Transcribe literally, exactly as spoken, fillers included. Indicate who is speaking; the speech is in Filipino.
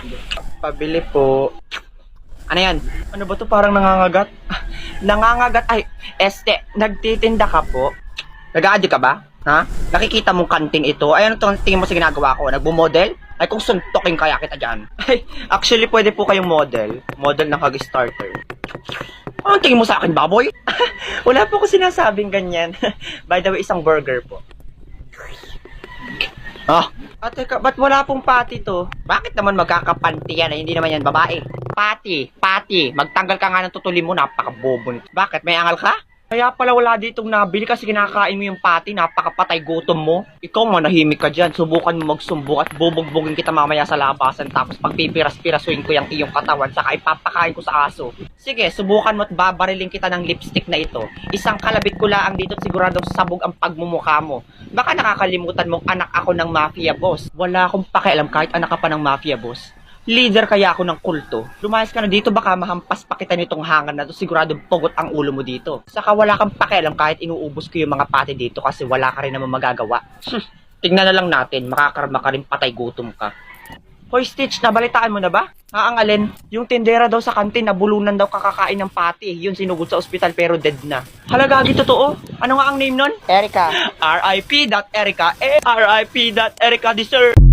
Speaker 1: Pabili po. Ano yan? Ano ba to? Parang nangangagat? Nangangagat? Ay, este, nagtitinda ka po? Nag-a-addict ka ba? Ha? Nakikita mong kanting ito? Ay, ano itong tingin mo sa ginagawa ko? Nagbo-model? Ay, kung suntokin kaya kita dyan. Ay, actually, pwede po kayong model. Model ng Hug-Starter. Anong tingin mo sa akin, baboy? Wala po ko sinasabing ganyan. By the way, isang burger po. Ah, at teka, ba't wala pong pati to? Bakit naman magkakapanti yan? Ay, hindi naman yan babae. Pati, pati. Magtanggal ka nga ng tutuli mo, napakabobo nito. Bakit? May angal ka? Kaya pala wala ditong nabili kasi kinakain mo yung pati, napakapatay gutom mo. Ikaw manahimik ka dyan, subukan mo magsumbong at bubugbugin kita mamaya sa labasan tapos pagpipiras-pirasuin ko yung iyong katawan saka ipapakain ko sa aso. Sige, subukan mo at babariling kita ng lipstick na ito. Isang kalabit ko lang dito at siguradong sabog ang pagmumukha mo. Baka nakakalimutan mong anak ako ng mafia boss. Wala akong pakialam kahit anak ka pa ng mafia boss. Leader kaya ako ng kulto. Lumayas ka na dito, baka mahampas pa kita nitong hangan na to. Siguradong pugot ang ulo mo dito. Saka wala kang pakialam kahit inuubos ko yung mga pati dito kasi wala ka rin naman magagawa. Tignan na lang natin, makakarma ka rin patay gutom ka. Hoy Stitch, nabalitaan mo na ba? Haangalin, yung tindera daw sa kantin nabulunan daw kakakain ng pati. Yun sinugod sa ospital pero dead na. Halagagi totoo? Ano nga ang name nun? Erica. R I P dot Erica. R I P dot Erica deserve.